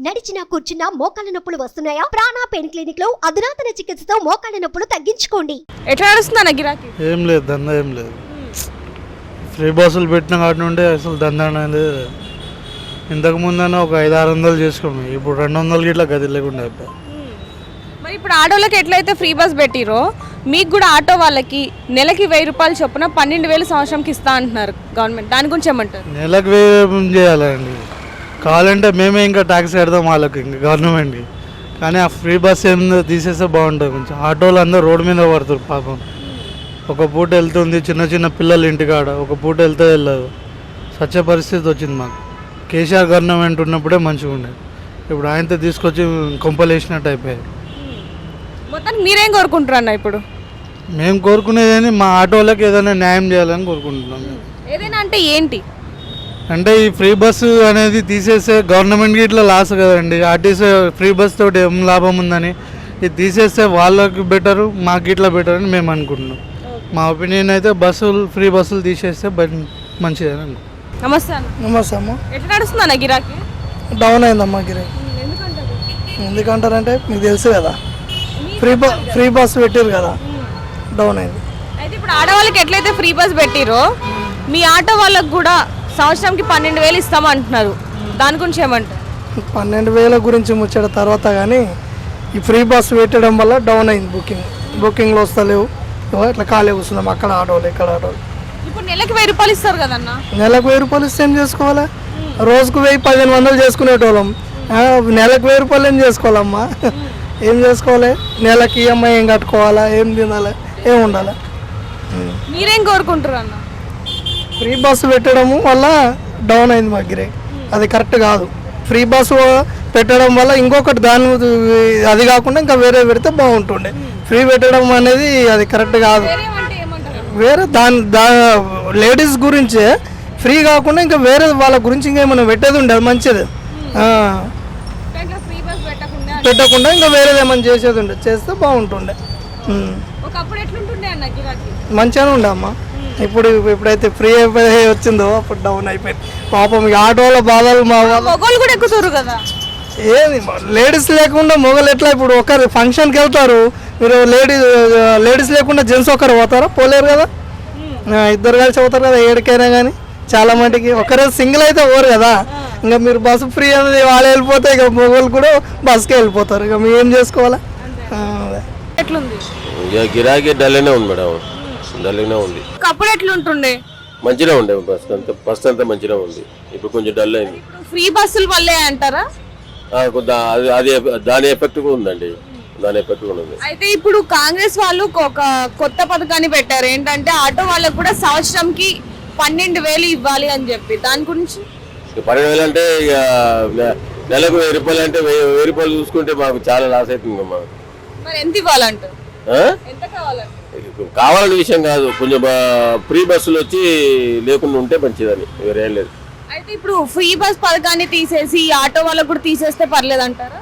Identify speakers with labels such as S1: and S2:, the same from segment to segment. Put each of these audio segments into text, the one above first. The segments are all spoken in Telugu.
S1: నడిచినా కూర్చున్నా మోకాళ్ళ నొప్పులు వస్తున్నాయా? ప్రాణ పెయిన్ క్లినిక్ లో అధునాతన చికిత్సతో మోకాళ్ళ నొప్పులు తగ్గించుకోండి.
S2: ఎట్లా నడుస్తుందన్న గిరాకీ?
S3: ఏం లేదు, దందా ఏం లేదు. ఫ్రీ బస్సులు పెట్టిన కాటి నుండి అసలు దందా అనేది ఇంతకు ముందన్నా ఒక 500-600 చేసుకున్నాం. ఇప్పుడు 200 గిట్లా గది లేకుండా అయిపోయి.
S2: మరి ఇప్పుడు ఆటోలకి ఎట్లయితే ఫ్రీ బస్ పెట్టిరో మీకు కూడా ఆటో వాళ్ళకి నెలకి 1000 రూపాయలు చొప్పున 12,000 సంవత్సరంకి ఇస్తా అంటున్నారు గవర్నమెంట్. దాని గురించి ఏమంటారు?
S3: నెలకు 1000 చేయాలండి. కావాలంటే మేమే ఇంకా ట్యాక్స్ కడతాం వాళ్ళకి, ఇంకా గవర్నమెంట్కి. కానీ ఆ ఫ్రీ బస్ ఏందో తీసేస్తే బాగుంటుంది. కొంచెం ఆటోలు అందరూ రోడ్డు మీద పడుతారు పాపం. ఒక పూట వెళ్తుంది, చిన్న చిన్న పిల్లలు ఇంటికాడ ఒక పూట వెళ్తే వెళ్ళదు. సత్య పరిస్థితి వచ్చింది మాకు. కేసీఆర్ గవర్నమెంట్ ఉన్నప్పుడే మంచిగా ఉండేది. ఇప్పుడు ఆయనతో తీసుకొచ్చి కొంపలు వేసినట్టు అయిపోయాయి.
S2: మొత్తానికి మీరేం కోరుకుంటారు అన్న? ఇప్పుడు
S3: మేము కోరుకునేది మా ఆటోలకు ఏదైనా న్యాయం చేయాలని కోరుకుంటున్నాం.
S2: ఏదైనా అంటే ఏంటి?
S3: అంటే ఈ ఫ్రీ బస్సు అనేది తీసేస్తే గవర్నమెంట్కి ఇట్లా లాస్ కదండి. ఆర్టీసీ ఫ్రీ బస్ తోటి ఏం లాభం ఉందని ఇది తీసేస్తే వాళ్ళకి బెటరు, మాకు ఇట్లా బెటర్ అని మేము అనుకుంటున్నాం. మా ఒపీనియన్ అయితే ఫ్రీ బస్సులు తీసేస్తే మంచిదని అనుకుంటున్నాం.
S2: నమస్తే అన్న.
S4: నమస్తే అమ్మ.
S2: ఎట్లా నడుస్తుంది అన్న గిరాకీ?
S4: డౌన్ అయిందమ్మా గిరాకీ. ఎందుకంటారంటే మీకు తెలుసు కదా, ఫ్రీ బస్ పెట్టారు కదా, డౌన్ అయింది.
S2: అయితే ఇప్పుడు ఆడవాళ్ళకి ఎట్లయితే ఫ్రీ బస్ పెట్టిరో మీ ఆటో వాళ్ళకి కూడా సంవత్సరంకి 12,000 ఇస్తామంటున్నారు. దాని గురించి ఏమంటారు?
S4: 12,000 గురించి ముచ్చట తర్వాత, కానీ ఈ ఫ్రీ బస్ పెట్టడం వల్ల డౌన్ అయింది. బుకింగ్లో వస్తలేవు. ఇట్లా ఖాళీ కూర్చున్నాం, అక్కడ ఆటోలు ఇక్కడ ఆటోలు.
S2: ఇప్పుడు నెలకి 1000 రూపాయలు ఇస్తారు కదన్న.
S4: నెలకు 1000 రూపాయలు ఇస్తే ఏం చేసుకోవాలి? రోజుకు 1000-1500 చేసుకునేటోళ్ళం. నెలకు 1000 రూపాయలు ఏం చేసుకోవాలమ్మా? ఏం చేసుకోవాలి? నెలకి ఈఎంఐ ఏం కట్టుకోవాలా? ఏం తినాలి? ఏం ఉండాలి?
S2: మీరేం కోరుకుంటారు అన్న?
S4: ఫ్రీ బస్సు పెట్టడము వల్ల డౌన్ అయింది మా గిరాకీ. అది కరెక్ట్ కాదు. ఫ్రీ బస్సు పెట్టడం వల్ల ఇంకొకటి దాని అది కాకుండా ఇంకా వేరే పెడితే బాగుంటుండే. ఫ్రీ పెట్టడం అనేది అది కరెక్ట్ కాదు. వేరే లేడీస్ గురించే ఫ్రీ కాకుండా ఇంకా వేరే వాళ్ళ గురించి ఇంకేమైనా పెట్టేది ఉండే అది మంచిది. పెట్టకుండా ఇంకా వేరేది ఏమైనా చేసేది ఉండే, చేస్తే బాగుంటుండే. మంచిగానే ఉండే అమ్మ. ఇప్పుడైతే ఫ్రీ అయిపోయి వచ్చిందో అప్పుడు డౌన్ అయిపోయింది. పాపం ఈ ఆటోల బాధలు మా
S2: మొగోళ్ళు కూడా ఎక్కుతారు కదా.
S4: ఏది లేడీస్ లేకుండా మొగలు ఎట్లా? ఇప్పుడు ఒకరు ఫంక్షన్కి వెళ్తారు, మీరు లేడీస్ లేకుండా జెంట్స్ ఒకరు పోతారా? పోలేరు కదా. ఇద్దరు కలిసి పోతారు కదా ఏడికైనా. కానీ చాలా మటుకి ఒకరే సింగిల్ అయితే పోరు కదా. ఇంకా మీరు బస్సు ఫ్రీ అనేది వాళ్ళు వెళ్ళిపోతే ఇక మొగలు కూడా బస్కే వెళ్ళిపోతారు. ఇక మేము ఏం చేసుకోవాలా?
S2: ఎట్లుంది
S5: గిరాకీ? డల్గానే ఉంది మేడం, డల్గానే ఉంది.
S2: అప్పుడు ఎట్లుంటుండే?
S5: మంచిగా ఉండే ఫస్ట్ అంతా మంచిగా ఉంది. ఇప్పుడు కొంచెం డల్ అయింది.
S2: ఫ్రీ బస్సులు వల్లే అంటారా?
S5: అది దాని ఎఫెక్ట్ కూడా ఉందండి, దాని ఎఫెక్ట్ కూడా ఉంది.
S2: అయితే ఇప్పుడు కాంగ్రెస్ వాళ్ళు ఒక కొత్త పథకాన్ని పెట్టారు. ఏంటంటే ఆటో వాళ్ళకు కూడా సంవత్సరంకి 12,000 ఇవ్వాలి అని చెప్పి. దాని గురించి
S5: 12,000 అంటే ఇక నెలకు 1000 రూపాయలు అంటే 1000 రూపాయలు చూసుకుంటే మాకు చాలా లాస్ అవుతుంది. మాకు
S2: మరి ఎంత ఇవ్వాలంటారు? ఎంత కావాలంటే
S5: కావాలనే విషయం కాదు, కొంచెం ఫ్రీ బస్సులు వచ్చి లేకుండా ఉంటే మంచిదని, వేరేం లేదు.
S2: అయితే ఇప్పుడు ఫ్రీ బస్ పథకాన్ని తీసేసి ఆటో వాళ్ళకు కూడా తీసేస్తే పర్లేదు అంటారా?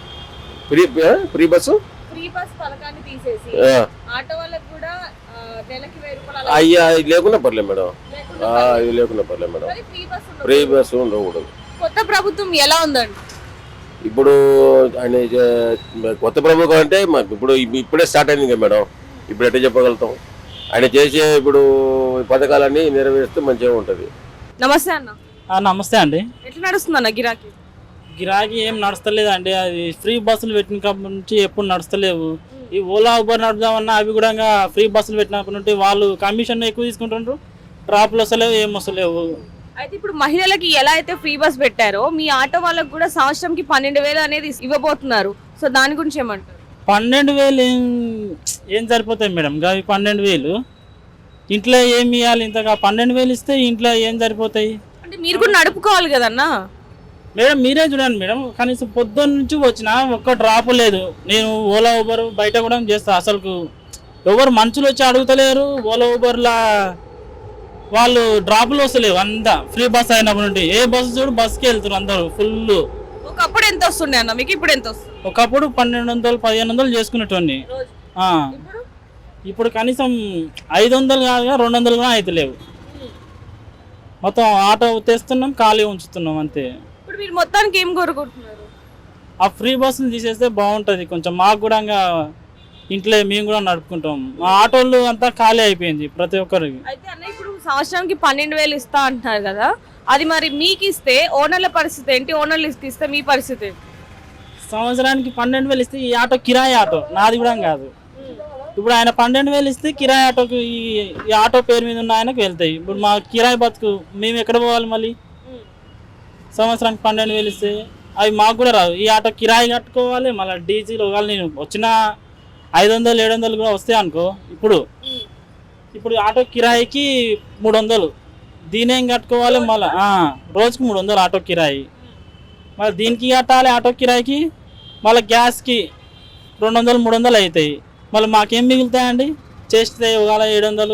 S5: ఫ్రీ బస్సు
S2: పథకాన్ని తీసేసి ఆటో వాళ్ళకు కూడా నెలకి 1000 రూపాయలు
S5: అయ్యా లేకుండా పర్లేదు మేడం, ఇది లేకుండా పర్లేదు మేడం. ఫ్రీ బస్సు ఉండకూడదు.
S2: కొత్త ప్రభుత్వం ఎలా ఉందండి?
S5: ఇప్పుడు ఆయన కొత్త ప్రభుత్వం అంటే ఇప్పుడు ఇప్పుడే స్టార్ట్ అయింది కదా మేడం. ఇప్పుడు ఎట్లా చెప్పగలుగుతాం? ఆయన చేసే ఇప్పుడు పథకాలన్నీ నెరవేరుస్తే మంచిగా ఉంటుంది.
S2: నమస్తే అన్న.
S6: నమస్తే అండి.
S2: ఎట్లా నడుస్తుంది అన్న గిరాకీ?
S6: గిరాకీ ఏం నడుస్తలేదు అండి. అది ఫ్రీ బస్సులు పెట్టినప్పటి నుంచి ఎప్పుడు నడుస్తలేవు. ఈ ఓలా ఊబర్ నడుపుదామన్నా అవి కూడా ఫ్రీ బస్సులు పెట్టినప్పటి నుండి వాళ్ళు కమిషన్ ఎక్కువ తీసుకుంటుండ్రు. ట్రాప్లు వస్తలేవు, ఏం వస్తలేవు.
S2: అయితే ఇప్పుడు మహిళలకి ఎలా అయితే ఫ్రీ బస్ పెట్టారో మీ ఆటో వాళ్ళకి కూడా సంవత్సరంకి 12,000 అనేది ఇవ్వబోతున్నారు. సో దాని గురించి ఏమంటారు?
S6: 12,000 ఏం సరిపోతాయి మేడం? అవి 12,000 ఇంట్లో ఏమి ఇవ్వాలి? ఇంతగా 12,000 ఇస్తే ఇంట్లో ఏం సరిపోతాయి?
S2: అంటే మీరు కూడా నడుపుకోవాలి కదన్నా
S6: మేడం. మీరే చూడండి మేడం, కనీసం పొద్దున్న నుంచి వచ్చినా ఒక్క డ్రాప్ లేదు. నేను ఓలా ఊబర్ బయట కూడా చేస్తా. అసలు ఎవరు మనుషులు వచ్చి అడుగుతలేరు. ఓలా ఊబర్లా వాళ్ళు డ్రాపులు వస్తలేవు. అంతా ఫ్రీ బస్ అయినప్పటి నుండి ఏ బస్సు చూడు బస్కి వెళ్తారు అందరూ ఫుల్.
S2: ఒకప్పుడు ఎంత వస్తుండే అన్న మీకు? ఇప్పుడు ఎంత వస్తుంది?
S6: ఒకప్పుడు 1,200-1,500 చేసుకునేటోని. ఇప్పుడు కనీసం 500 కాదుగా 200 కూడా అవుతలేవు. మొత్తం ఆటో తెస్తున్నాం, ఖాళీ ఉంచుతున్నాం అంతే.
S2: ఇప్పుడు మీరు మొత్తానికి ఏం కోరుకుంటున్నారు?
S6: ఆ ఫ్రీ బస్సులు తీసేస్తే బాగుంటుంది కొంచెం. మాకు కూడా ఇంకా ఇంట్లో మేము కూడా నడుపుకుంటాం. మా ఆటోలు అంతా ఖాళీ అయిపోయింది ప్రతి ఒక్కరికి.
S2: అయితే అన్న ఇప్పుడు సంవత్సరానికి 12,000 ఇస్తా అంటున్నారు కదా, అది మరి మీకు ఇస్తే ఓనర్ల పరిస్థితి ఏంటి? ఓనర్లు ఇస్తే మీ పరిస్థితి ఏంటి?
S6: సంవత్సరానికి 12,000 ఇస్తే ఈ ఆటో కిరాయి ఆటో నాది కూడా కాదు. ఇప్పుడు ఆయన 12,000 ఇస్తే కిరాయి ఆటోకి ఈ ఆటో పేరు మీద ఉన్న ఆయనకు వెళ్తాయి. ఇప్పుడు మా కిరాయి బతుకు మేము ఎక్కడ పోవాలి మళ్ళీ? సంవత్సరానికి 12,000 ఇస్తే అవి మాకు కూడా రావు. ఈ ఆటో కిరాయి కట్టుకోవాలి, మళ్ళీ డీజిల్ ఒకవేళ నేను వచ్చిన 500-700 కూడా వస్తాయి అనుకో. ఇప్పుడు ఆటో కిరాయికి 300, దీనేం కట్టుకోవాలి మళ్ళీ రోజుకి 300 ఆటో కిరాయి. మళ్ళీ దీనికి కట్టాలి ఆటో కిరాయికి, మళ్ళీ గ్యాస్కి 200-300 అవుతాయి. మళ్ళీ మాకేం మిగులుతాయండి చేస్తే ఒకవేళ 700?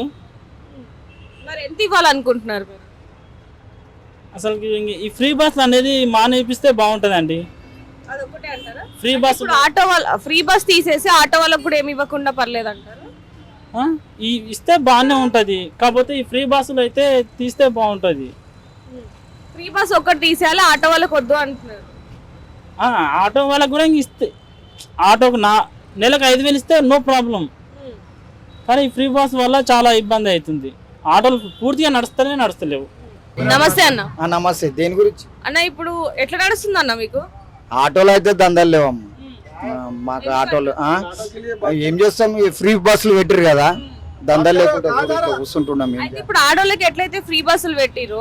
S2: మరి ఎంత ఇవ్వాలనుకుంటున్నారు మీరు?
S6: అసలు ఈ ఫ్రీ బస్ అనేది మానేపిస్తే బాగుంటుందండి.
S2: అదొకటే అంటారా?
S6: ఫ్రీ బస్
S2: ఇప్పుడు ఆటో వాళ్ళ ఫ్రీ బస్ తీసేసి ఆటో వాళ్ళకు కూడా ఏమి ఇవ్వకుండా పర్లేదు అంటారు?
S6: ఈ ఇస్తే బాగానే ఉంటుంది, కాకపోతే ఈ ఫ్రీ బస్సులు అయితే తీస్తే బాగుంటుంది.
S2: ఫ్రీ బస్ ఒక్కటి తీసేయాలి, ఆటో వాళ్ళకి వద్దు అంటున్నారు.
S6: ఆటో వాళ్ళకి కూడా ఇంక ఇస్తే, ఆటోకు నెలకు 5,000 ఇస్తే నో ప్రాబ్లం. కానీ ఈ ఫ్రీ బస్ వల్ల చాలా ఇబ్బంది అవుతుంది. ఆటోలు పూర్తిగా నడుస్తలేవు.
S2: నమస్తే అన్న.
S7: నమస్తే. దేని గురించి
S2: అన్న ఇప్పుడు ఎట్లా నడుస్తుంది అన్న మీకు?
S7: ఆటోలు అయితే దందాలు లేవమ్మ మాకు. ఆటోలు ఏం చేస్తాం, ఈ ఫ్రీ బస్సులు పెట్టారు కదా, దందాలు లేకుండా కూర్చుంటున్నాం.
S2: అయితే ఇప్పుడు ఆటోలకి ఎట్లయితే ఫ్రీ బస్సులు పెట్టిరో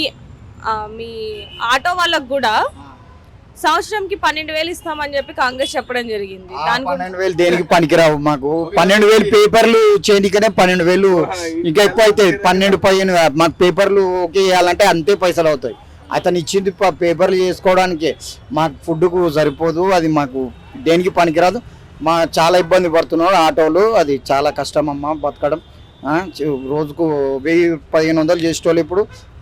S2: మీ ఆటో వాళ్ళకు కూడా సంవత్సరంకి 12,000 ఇస్తామని చెప్పి కాంగ్రెస్ చెప్పడం జరిగింది.
S7: 12,000 దేనికి పనికిరావు మాకు. 12,000 పేపర్లు చేయడానికనే 12,000 ఇంకా ఎక్కువ అవుతాయి. 12-15 మాకు పేపర్లు ఓకే చేయాలంటే అంతే పైసలు అవుతాయి. అతను ఇచ్చింది పేపర్లు చేసుకోవడానికి, మాకు ఫుడ్కు సరిపోదు. అది మాకు దేనికి పనికిరాదు. చాలా ఇబ్బంది పడుతున్నాడు ఆటోలు. అది చాలా కష్టం అమ్మ బతకడం. రోజుకు 1,000-1,500 చేసేటోళ్ళు ఇప్పుడు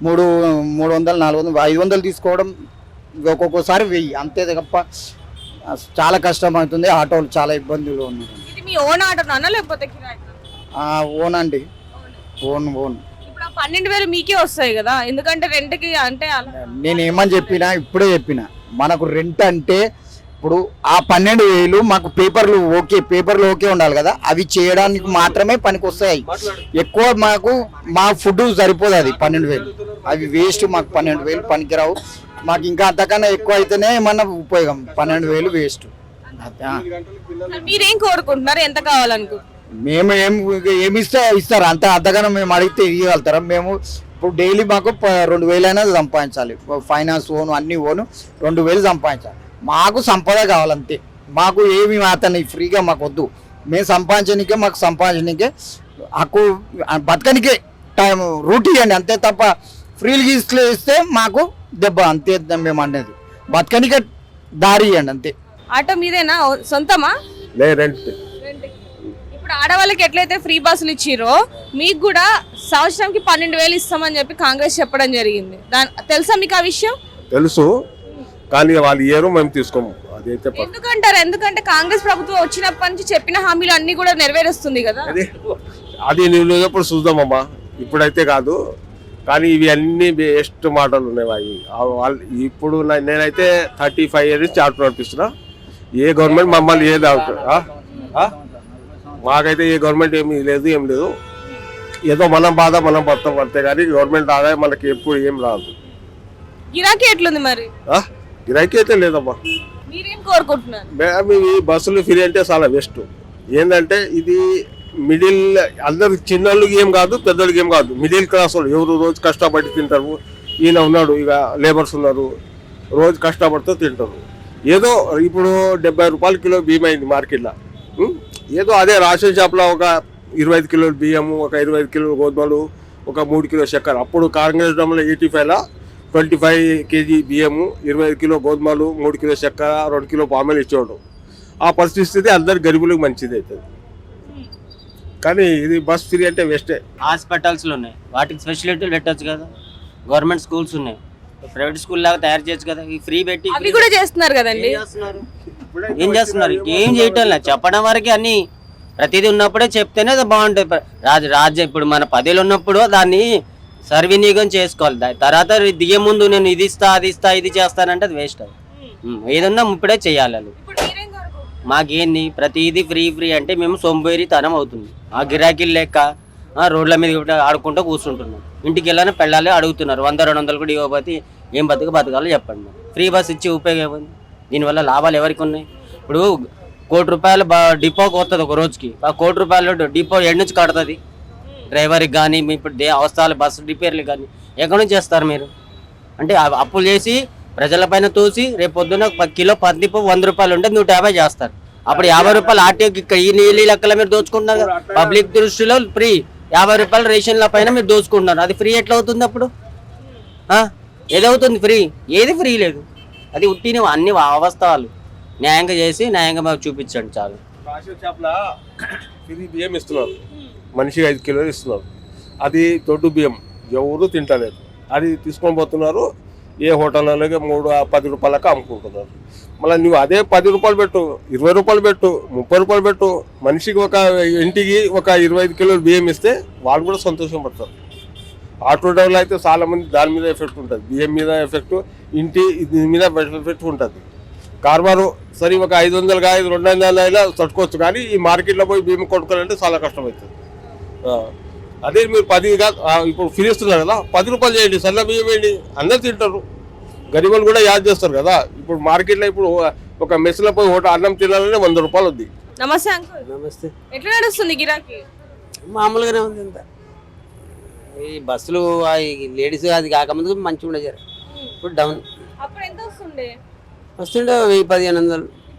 S7: 300-400 500 తీసుకోవడం, ఒక్కొక్కసారి 1000 అంతే తప్ప చాలా కష్టం అవుతుంది. ఆటోలు చాలా ఇబ్బందులు ఉన్నాయి.
S2: ఇది మీ ఓన్ ఆటోనా లేకపోతే కిరాయి?
S7: ఓన్ అండి, ఓన్.
S2: ఇప్పుడు 12,000 మీకే వస్తాయి కదా, ఎందుకంటే రెంట్కి అంటే
S7: నేను ఏమని ఇప్పుడే చెప్పిన మనకు రెంట్ అంటే ఇప్పుడు ఆ 12,000 మాకు పేపర్లు ఓకే ఉండాలి కదా, అవి చేయడానికి మాత్రమే పనికి వస్తాయి. ఎక్కువ మాకు మా ఫుడ్ సరిపోదు. అది 12,000 అవి వేస్ట్. మాకు 12,000 పనికిరావు. మాకు ఇంకా అంతకన్నా ఎక్కువ అయితేనే ఏమన్నా ఉపయోగం. 12,000 వేస్ట్.
S2: మీరేం కోరుకుంటున్నారు, ఎంత కావాలనుకుంటున్నారు?
S7: మేము ఏమి ఇస్తారు అంతకన్నా మేము అడిగితే ఇవ్వగలుగుతారా? మేము ఇప్పుడు డైలీ మాకు 2,000 అయినా సంపాదించాలి. ఫైనాన్స్ ఓను అన్ని ఓను 2,000 సంపాదించాలి. మాకు సంపద కావాలంతే. మాకు ఏమి అతన్ని ఫ్రీగా మాకు వద్దు. మేము సంపాదించడానికే, మాకు సంపాదించడానికే హక్కు, బతకనికే టైం రూట్ ఇవ్వండి అంతే తప్ప ఫ్రీలు ఇస్తే మాకు దెబ్బ అంతే. మేము అనేది బతకనికే దారి ఇవ్వండి అంతే.
S2: ఆటో మీదేనా, సొంతమా?
S5: రెంట్.
S2: ఇప్పుడు ఆడవాళ్ళకి ఎట్లయితే ఫ్రీ బస్సులు ఇచ్చిరో మీకు కూడా సంవత్సరంకి 12,000 ఇస్తామని చెప్పి కాంగ్రెస్ చెప్పడం జరిగింది. తెలుసా మీకు ఆ విషయం?
S5: తెలుసు, కానీ వాళ్ళు ఇయ్యరు, మేము తీసుకోము. అదైతే
S2: ఎందుకంటారు? ఎందుకంటే కాంగ్రెస్ ప్రభుత్వం వచ్చినప్పటి నుంచి చెప్పిన హామీలు అన్ని కూడా నెరవేరుస్తుంది కదా.
S5: అది నువ్వు ఎప్పుడు చూద్దామమ్మా, ఇప్పుడైతే కాదు. కానీ ఇవి అన్ని బెస్ట్ మాటలు ఉన్నాయి. వాళ్ళు ఇప్పుడు నేనైతే 35 years నుంచి ఆటో నడిపిస్తున్నా. ఏ గవర్నమెంట్ మమ్మల్ని ఏది మాకైతే ఏ గవర్నమెంట్ ఏం లేదు. ఏదో మనం బాధ మనం పడతాం అంతే, కానీ గవర్నమెంట్ ఆదాయం మనకి ఎప్పుడు ఏం రాదు.
S2: గిరాకీ ఎట్లుంది మరి?
S5: గిరాకీ అయితే లేదమ్మా.
S2: మీరేం కోరుకుంటున్నారు?
S5: ఈ బస్సులు ఫ్రీ అంటే చాలా బెస్ట్. ఏంటంటే ఇది మిడిల్, అందరికి చిన్నోళ్ళకి ఏం కాదు, పెద్దోళ్ళకి ఏం కాదు, మిడిల్ క్లాస్ వాళ్ళు ఎవరు రోజు కష్టపడి తింటారు. ఈయన ఉన్నాడు, ఇక లేబర్స్ ఉన్నారు, రోజు కష్టపడుతూ తింటారు. ఏదో ఇప్పుడు 70 రూపాయల కిలో బియ్యం అయింది మార్కెట్లో. ఏదో అదే రేషన్ షాప్లో ఒక 25 కిలోలు బియ్యము, ఒక 25 కిలోలు గోధుమలు, ఒక 3 కిలో చక్కెర. అప్పుడు కాంగ్రెస్ డమ్లో 85లో 25 kg బియ్యము, 25 కిలో గోధుమలు, 3 కిలో చక్కెర, 2 కిలో పామెలు ఇచ్చేవాడు. ఆ పరిస్థితి అందరు గరీబులకు మంచిది అవుతుంది. కానీ ఇది బస్ ఫ్రీ అంటే వేస్టే.
S8: హాస్పిటల్స్లు ఉన్నాయి, వాటికి ఫెసిలిటీలు పెట్టచ్చు కదా. గవర్నమెంట్ స్కూల్స్ ఉన్నాయి, ప్రైవేట్ స్కూల్ లాగా తయారు చేయొచ్చు కదా. ఈ ఫ్రీ పెట్టి
S2: అవి కూడా చేస్తున్నారు కదండి.
S8: ఏం చేస్తున్నారు? ఏం చేయటం లేదు, చెప్పడం వరకే. అన్ని ప్రతిదీ ఉన్నప్పుడే చెప్తేనే అది బాగుంటుంది. రాజ్యం ఇప్పుడు మన 10 ఉన్నప్పుడు దాన్ని సర్వినియోగం చేసుకోవాలి. తర్వాత దిగే ముందు నేను ఇది ఇస్తా అది ఇస్తా ఇది చేస్తానంటే అది వేస్ట్. అది ఏదన్నా ఇప్పుడే చేయాలి వాళ్ళు.
S2: ఇప్పుడు మీరేం కోరుకుంటున్నారు?
S8: మాకేంది ప్రతిదీ ఫ్రీ అంటే మేము సొంబేరితనం అవుతుంది. ఆ గిరాకీలు లెక్క రోడ్ల మీద కూడా ఆడుకుంటూ కూర్చుంటున్నాం. ఇంటికి వెళ్ళాలని పెళ్ళాలి అడుగుతున్నారు. 100-200 కూడా ఇవ్వకపోతే ఏం బతకాలో చెప్పండి. ఫ్రీ బస్ ఇచ్చి ఉపయోగం ఏముంది? దీనివల్ల లాభాలు ఎవరికి ఉన్నాయి? ఇప్పుడు ₹1,00,00,000 డిపోకి వస్తుంది ఒక రోజుకి. ఆ ₹1,00,00,000 డిపో ఎక్కడి నుంచి కడుతుంది? డ్రైవర్కి కానీ ఇప్పుడు అవసరాలు బస్సు రిపేర్లు కానీ ఎక్కడి నుంచి చేస్తారు మీరు? అంటే అప్పులు చేసి ప్రజలపైన తోసి రేపు పొద్దున్న కిలో పత్తిపప్పు ₹100 ఉంటే 150 చేస్తారు. అప్పుడు ₹50 ఆర్టీఓకి ఈ నీళ్ళు లెక్కల మీరు దోచుకుంటున్నారు కదా. పబ్లిక్ దృష్టిలో ఫ్రీ ₹50 రేషన్ల పైన మీరు దోచుకుంటున్నారు. అది ఫ్రీ ఎట్లా అవుతుంది అప్పుడు? ఏదవుతుంది ఫ్రీ? ఏది ఫ్రీ లేదు. అది ఉట్టిన అన్ని అవస్థలు న్యాయంగా చేసి న్యాయంగా మాకు చూపించండి చాలు.
S5: రేషన్ షాప్లో ఫ్రీ బియ్యం ఇస్తున్నారు, మనిషికి 5 కిలోలు ఇస్తున్నారు. అది దొడ్డు బియ్యం ఎవరు తింటలేదు. అది తీసుకొని పోతున్నారు ఏ హోటళ్ళకి ₹10 అమ్ముకుంటున్నారు. మళ్ళీ నువ్వు అదే ₹10 పెట్టు, ₹20 పెట్టు, ₹30 పెట్టు, మనిషికి ఒక ఇంటికి ఒక 25 కిలోలు బియ్యం ఇస్తే వాళ్ళు కూడా సంతోషం పడతారు. ఆటో డ్రైవర్లు అయితే చాలా మంది దాని మీద ఎఫెక్ట్ ఉంటుంది, బియ్యం మీద ఎఫెక్ట్, దీని మీద ఎఫెక్ట్ ఉంటుంది. కార్బారు సరే ఒక 500 కాదు 200 అయినా తట్టుకోవచ్చు, కానీ ఈ మార్కెట్లో పోయి బియ్యం కొనుక్కోవాలంటే చాలా కష్టమవుతుంది. అదే మీరు 10 కాదు ఇప్పుడు ఫ్రీ ఇస్తున్నారు కదా, ₹10 చేయండి, సన్న బియ్యం వేయండి, అందరు తింటారు. గరీబులు కూడా యాడ్ చేస్తారు కదా. ఇప్పుడు మార్కెట్లో ఇప్పుడు ఒక మెస్లో పోయి అన్నం తినాలంటే ₹100 ఉంది.
S2: నమస్తే అంకుల్.
S9: నమస్తే.
S2: ఎట్లా నడుస్తుంది గిరాకీ?
S9: మామూలుగానే ఉంది అంత. ఈ బస్సులు లేడీస్ అది కాకముందు మంచిగా ఉండే జర, ఇప్పుడు డౌన్.
S2: అప్పుడు ఎంత వస్తుండే?
S9: వస్తుండే 1000-1500,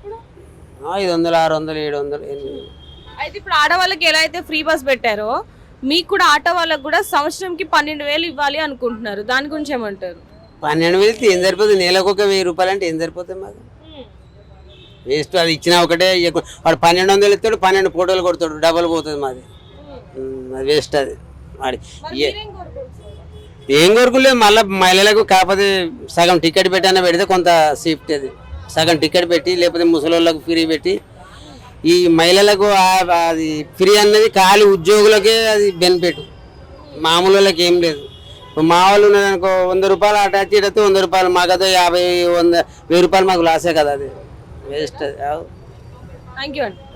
S9: 500, 600, 700, 800.
S2: అయితే ఇప్పుడు ఆడవాళ్ళకి ఎలా అయితే ఫ్రీ బస్ పెట్టారో మీకు కూడా ఆటో వాళ్ళకి కూడా సంవత్సరంకి 12,000 ఇవ్వాలి అనుకుంటున్నారు. దాని గురించి ఏమంటారు?
S9: 12,000 ఏం సరిపోతుంది? నెలకు ఒక ₹1000 అంటే ఏం సరిపోతుంది మాకు? వేస్ట్. అది ఇచ్చినా ఒకటే, వాడు 1200 ఇస్తాడు, 12 ఫోటోలు కొడతాడు, డబల్ పోతుంది మాది. అది వేస్ట్. అది వాడి ఏం కోరుకోలేదు. మళ్ళీ మహిళలకు కాకపోతే సగం టికెట్ పెట్టైనా పెడితే కొంత సేఫ్టీ. అది సగం టికెట్ పెట్టి లేకపోతే ముసలోళ్ళకు ఫ్రీ పెట్టి, ఈ మహిళలకు అది ఫ్రీ అన్నది ఖాళీ ఉద్యోగులకే అది బెనిఫిట్, మామూలు వాళ్ళకి ఏం లేదు. ఇప్పుడు మా వాళ్ళు ఉన్నదనుకో ₹100 అటాచ్ చేయడంతో ₹100 మాకైతే 50, 100, ₹1000 మాకు లాసే కదా. అది వేస్ట్. అది
S2: థ్యాంక్ యూ అండి.